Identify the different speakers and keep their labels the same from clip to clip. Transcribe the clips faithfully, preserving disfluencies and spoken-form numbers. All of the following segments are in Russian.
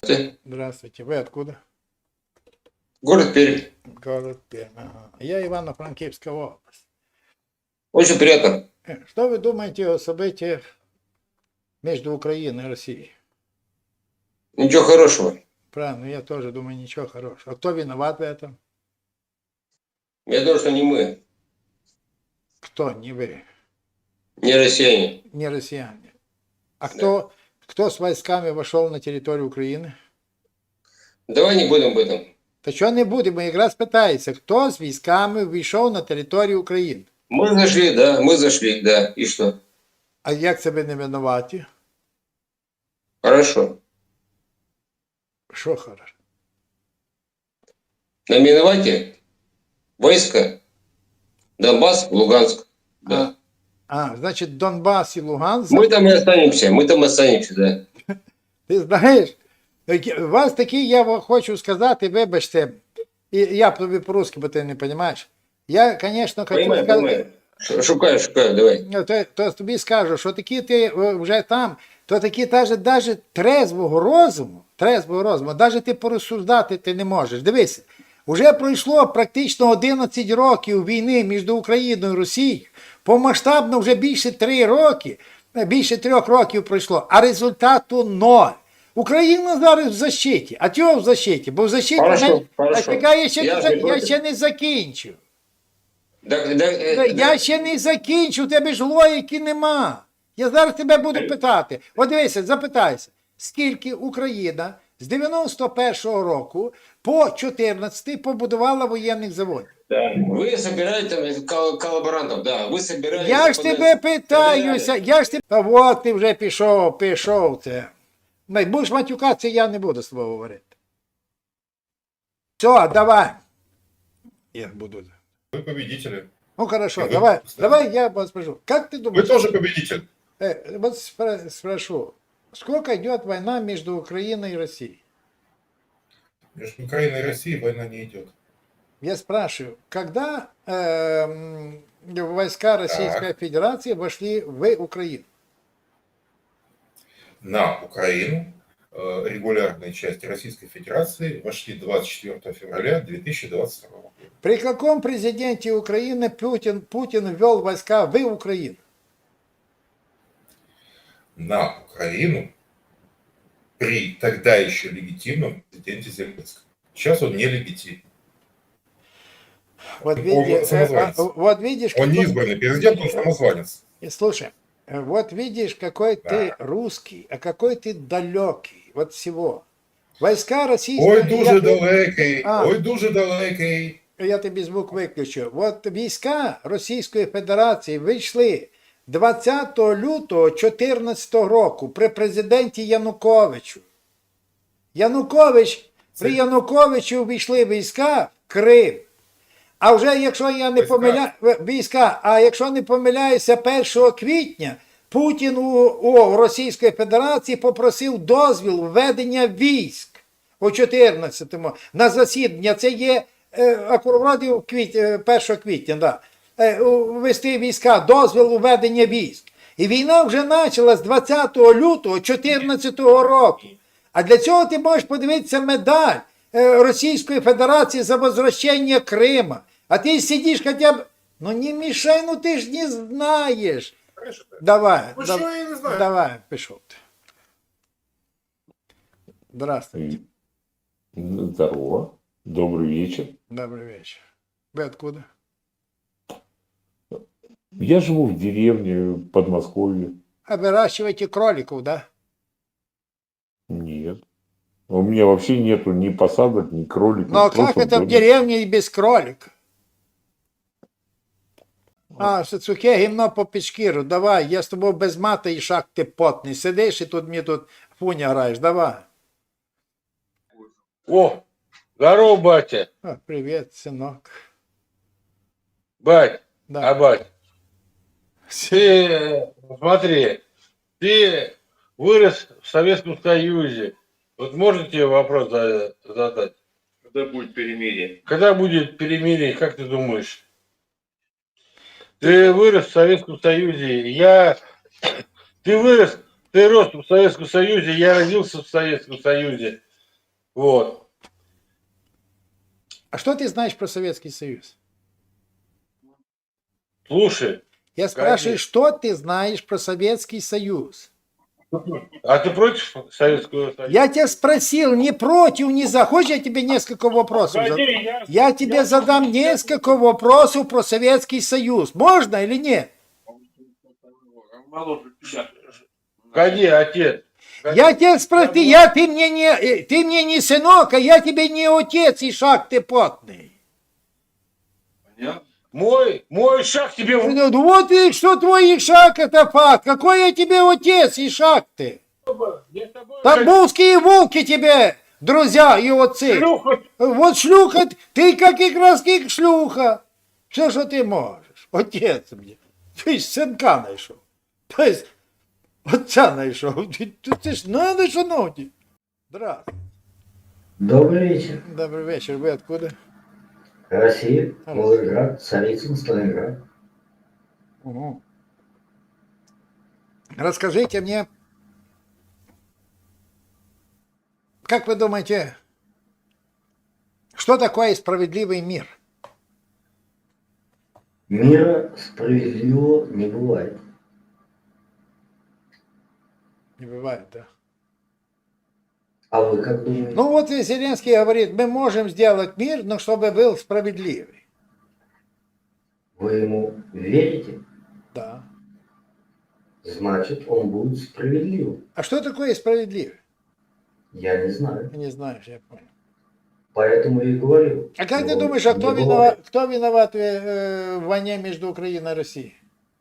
Speaker 1: Здравствуйте.
Speaker 2: Здравствуйте. Вы откуда?
Speaker 1: Город Пермь.
Speaker 2: Город Пермь. Ага. Я Ивано-Франкивская область.
Speaker 1: Очень приятно.
Speaker 2: Э, Что вы думаете о событиях между Украиной и Россией?
Speaker 1: Ничего хорошего.
Speaker 2: Правильно, я тоже думаю, ничего хорошего. А кто виноват в этом?
Speaker 1: Я думаю, что не мы,
Speaker 2: Кто? Не вы.
Speaker 1: не россияне.
Speaker 2: Не россияне. А
Speaker 1: Да.
Speaker 2: кто, кто с войсками вошел на территорию Украины?
Speaker 1: Давай не будем об этом.
Speaker 2: Та що не буде, бо якраз питається, хто з військами війшов на територію України?
Speaker 1: Мы зашли, да, мы зашли, да. И что?
Speaker 2: А як це ви не винуваті?
Speaker 1: Хорошо.
Speaker 2: Що хорошо?
Speaker 1: На Миновате войска, Донбасс, Луганск. Да.
Speaker 2: А, а, значить, Донбас і Луганськ.
Speaker 1: Мы там и останемся, мы там останемся, да.
Speaker 2: Ти знаєш, у вас такі, я вам хочу сказати, вибачте, і я тобі по-русски, бо ти не розумієш. Я, звісно, хочу
Speaker 1: Понимаю,
Speaker 2: сказати,
Speaker 1: понимаю. Шукаю, шукаю, давай.
Speaker 2: то, то тобі скажу, що такі ти е, вже там, то такі навіть, навіть трезвого розуму, трезвого розуму, навіть ти порозсуждати ти не можеш. Дивися, вже пройшло практично одинадцять років війни між Україною і Росією, помасштабно вже більше три роки, більше трьох років пройшло, а результату ноль. Україна зараз в защиті. А чого в защиті? Бо в защиті
Speaker 1: Хорошо,
Speaker 2: не...
Speaker 1: хорошо.
Speaker 2: А чекай, я ще,
Speaker 1: Я
Speaker 2: не,
Speaker 1: ж
Speaker 2: за-
Speaker 1: не
Speaker 2: я
Speaker 1: проти.
Speaker 2: ще не закінчив.
Speaker 1: Да, да, э,
Speaker 2: Я
Speaker 1: да.
Speaker 2: ще не закінчив, у тебе ж логіки нема. Я зараз тебе буду питати. От дивися, запитайся, скільки Україна з дев'яносто першого року по чотирнадцятий побудувала воєнних заводів?
Speaker 1: Да. Вы собираете там кол- коллаборантов, да. Вы собираете...
Speaker 2: Я ж тебе питаюся, я ж тебе... Та от ти вже пішов, пішов це. Не, будеш матюкатися, я не буду з тобою говорити. Все, давай. Я буду.
Speaker 3: Вы победители.
Speaker 2: Ну хорошо,
Speaker 3: Вы-
Speaker 2: давай,
Speaker 3: да.
Speaker 2: давай я вас спрошу. Как ты
Speaker 3: Вы
Speaker 2: думаешь?
Speaker 3: тоже победитель.
Speaker 2: Э, вот спра- спрошу, сколько идет война между Украиной и Россией?
Speaker 3: Между Украиной и Россией война не идет.
Speaker 2: Я спрашиваю, когда эм, войска Российской Федерации вошли в Украину?
Speaker 3: На Украину э, регулярные части Российской Федерации вошли двадцать четвёртого февраля две тысячи двадцать второго года.
Speaker 2: При каком президенте Украины Путин, Путин ввел войска в Украину?
Speaker 3: На Украину при тогда еще легитимном президенте Зеленском. Сейчас он нелегитимный.
Speaker 2: Вот,
Speaker 3: Он
Speaker 2: види-
Speaker 3: самозванец.
Speaker 2: э, а, вот видишь,
Speaker 3: Он не
Speaker 2: какой-
Speaker 3: избранный президент, он самозванец.
Speaker 2: И слушай, э, вот видишь, какой ты русский, а какой ты далекий от всего. Войска российские...
Speaker 3: Ой, дуже
Speaker 2: я,
Speaker 3: далекий,
Speaker 2: А.
Speaker 3: ой, дуже далекий.
Speaker 2: я тобі звук виключу. От війська Російської Федерації вийшли двадцятого лютого дві тисячі чотирнадцятого року при президенті Януковичу. Янукович, при Януковичу війшли війська в Крим. А вже, якщо я не
Speaker 3: Війська.
Speaker 2: помиляю, війська, а якщо не помиляюся, першого квітня Путін у, у Російської Федерації попросив дозвіл введення військ у чотирнадцятому на засідання. Це є е, акурат в квіт, е, першого квітня, да. Е, у- ввести війська, дозвіл у введення військ. І війна вже почалась з двадцятого лютого дві тисячі чотирнадцятого року. А для цього ти можеш подивитися медаль е, Російської Федерації за возвращення Крима. А ти сидиш хоча б... Ну не мішай, ну ти ж не знаєш. Давай,
Speaker 3: Ну,
Speaker 2: дав-
Speaker 3: що я не знаю?
Speaker 2: давай, пішов ти. Здравствуйте.
Speaker 4: Здорово. Добрый вечер.
Speaker 2: Добрый вечер. Вы откуда?
Speaker 4: Я живу в деревне в Подмосковье.
Speaker 2: А выращиваете кроликов, да?
Speaker 4: Нет. У меня вообще нету ни посадок, ни кроликов.
Speaker 2: Ну а
Speaker 4: просто
Speaker 2: как это в
Speaker 4: доме.
Speaker 2: деревне и без кролика? А, що сухе гімно по печкіру, давай, я з тобою без мата і шаг ти потний. Сидиш і тут мені тут фуня граєш, давай.
Speaker 5: О, здорово, батя.
Speaker 2: О, привіт, синок.
Speaker 5: Бать,
Speaker 2: Да.
Speaker 5: а бать, ты, э, смотри, ты вырос в Советском Союзе. Вот можно тебе вопрос за- задать?
Speaker 1: Когда будет перемирие?
Speaker 5: Когда будет перемирие, как ты думаешь? Ты вырос в Советском Союзе, я... Ты вырос, ты рос в Советском Союзе, я родился в Советском Союзе. Вот.
Speaker 2: А что ты знаешь про Советский Союз?
Speaker 5: Слушай,
Speaker 2: Я спрашиваю,
Speaker 5: Конечно.
Speaker 2: что ты знаешь про Советский Союз?
Speaker 5: а ты против Советского Союза?
Speaker 2: Я тебя спросил, не против, не за. Хочешь, я тебе несколько вопросов задам?
Speaker 5: Погоди, я-
Speaker 2: Я тебе
Speaker 5: я
Speaker 2: задам
Speaker 5: тоже-
Speaker 2: несколько вопросов про Советский Союз. Можно или нет?
Speaker 5: Погоди, отец.
Speaker 2: Я тебя спросил, я, ты, мне не, э, ты мне не сынок, а я тебе не отец, и шаг ты потный.
Speaker 5: Мой, мой шаг тебе... в-
Speaker 2: Ну, вот и что твой Ишак, это факт. Какой я тебе отец, Ишак ты?
Speaker 5: Я с тобой-
Speaker 2: Тамбовские волки тебе, друзья и отцы.
Speaker 5: Шлюха.
Speaker 2: Вот шлюха, ты как и краски шлюха. Все, что ты можешь. Отец мне. Ты ж сынка знайшов. То есть, отца знайшов. Ты, ты, ты ж надо, шановні. Здравствуйте.
Speaker 6: Добрый вечер.
Speaker 2: Добрый вечер. Вы откуда?
Speaker 6: Россия, Волгоград, Царицын, Сталинград.
Speaker 2: Угу. Расскажите мне, как вы думаете, что такое справедливый мир?
Speaker 6: Мира справедливого не бывает.
Speaker 2: Не бывает, да?
Speaker 6: А вы как думаете?
Speaker 2: Ну вот и Зеленский говорит, мы можем сделать мир, но чтобы был справедливый.
Speaker 6: Вы ему верите?
Speaker 2: Да.
Speaker 6: Значит, он будет справедливым.
Speaker 2: А что такое справедливый?
Speaker 6: Я не знаю.
Speaker 2: Не знаешь, я понял.
Speaker 6: Поэтому и говорю.
Speaker 2: А как ты
Speaker 6: что
Speaker 2: думаешь, а
Speaker 6: не
Speaker 2: кто
Speaker 6: бывает.
Speaker 2: виноват, кто виноват в, э, в войне между Украиной и Россией?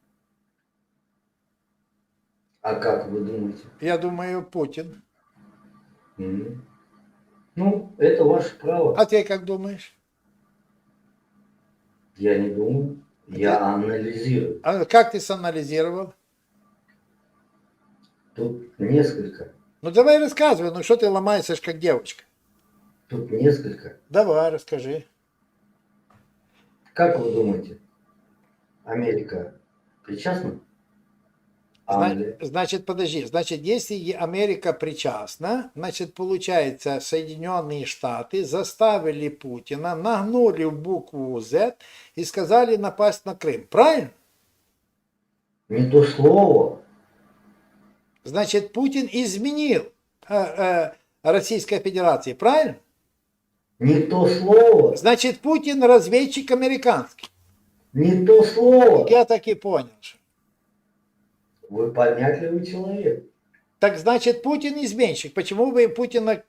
Speaker 6: А как вы думаете?
Speaker 2: Я думаю, Путин.
Speaker 6: М. Ну, это ваше право.
Speaker 2: А ты как думаешь?
Speaker 6: Я не думаю. Я анализирую.
Speaker 2: А как ты санализировал?
Speaker 6: Тут несколько.
Speaker 2: Ну давай рассказывай, ну что ты ломаешься как девочка?
Speaker 6: Тут несколько.
Speaker 2: Давай, расскажи.
Speaker 6: Как вы думаете, Америка причастна?
Speaker 2: Зна-
Speaker 6: Англия.
Speaker 2: Значит, подожди, значит, если и Америка причастна, значит, получается, Соединенные Штаты заставили Путина, нагнули в букву Z и сказали напасть на Крым. Правильно?
Speaker 6: Не то слово.
Speaker 2: Значит, Путин изменил э, э, Российской Федерации. Правильно?
Speaker 6: Не то слово.
Speaker 2: Значит, Путин разведчик американский.
Speaker 6: Не то слово.
Speaker 2: Я так и понял. что-
Speaker 6: Вы понятливый человек.
Speaker 2: Так значит, Путин изменщик. Почему вы Путина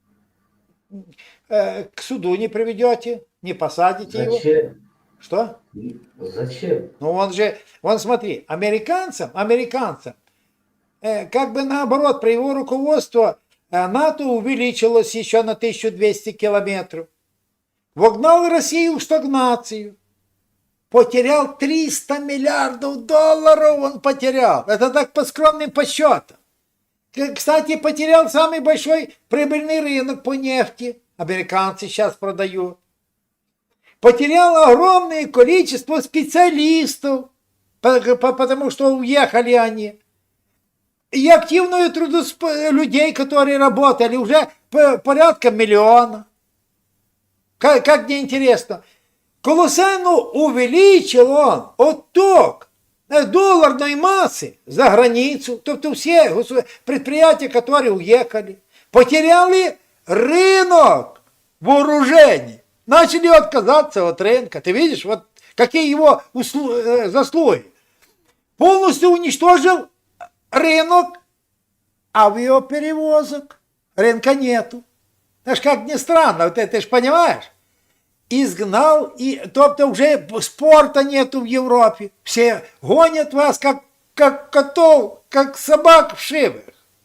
Speaker 2: э, к суду не приведете, не посадите его?
Speaker 6: Зачем?
Speaker 2: Что?
Speaker 6: Зачем?
Speaker 2: Ну он же, вон смотри, американцам, американцам, э, как бы наоборот, при его руководстве э, НАТО увеличилось еще на тысячу двести километров. Вогнал Россию в стагнацию. Потерял триста миллиардов долларов, он потерял. Это так по скромным подсчетам. К- Кстати, потерял самый большой прибыльный рынок по нефти. Американцы сейчас продают. Потерял огромное количество специалистов, по- по- потому что уехали они. И активную трудосп... людей, которые работали, уже по- порядка миллиона. Как, как мне интересно. Колоссально увеличил он отток долларной массы за границу. Тобто все госу- предприятия, которые уехали, потеряли рынок вооружений. Начали отказаться от рынка. Ты видишь, вот какие его услу- э, заслуги. Полностью уничтожил рынок авиаперевозок. Рынка нету. Это ж как ни странно, вот это, ты ж понимаешь? Изгнал, и, тобто вже спорта нету в Европе. Все гонят вас, как, как котов, как собак в шивах.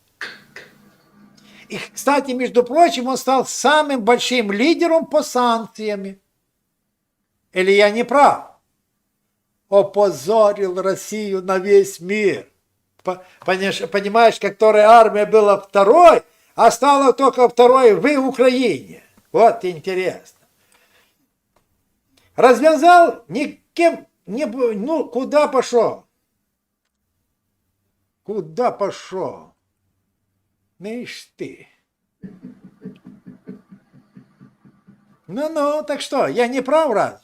Speaker 2: И, кстати, между прочим, он стал самым большим лидером по санкциям. Или я не прав? Опозорил Россию на весь мир. По- Понимаешь, понимаешь, которая армия была второй, а стала только второй в Украине. Вот интересно. Развязал, никем не... б- Ну, куда пошел? Куда пошел? Миш ты. Ну-ну, так что, я не прав, разве?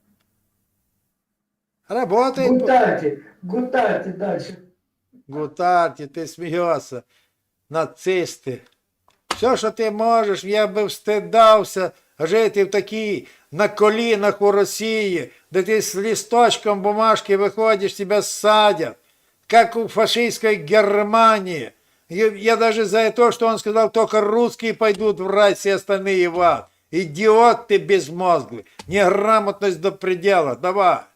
Speaker 2: Работает.
Speaker 6: Гутарьте, гутарьте дальше.
Speaker 2: Гутарті, ти смієшся. Нацисти. Все, що ти можеш, я би встидався жити в такій на колінах у Росії, де ти з листочком бумажки виходиш, тебе садят, как у фашистской Германии. Я, я даже за то, что он сказал, только русские пойдут в рай, все остальные в ад. Идиот ты безмозглый, неграмотность до предела, давай.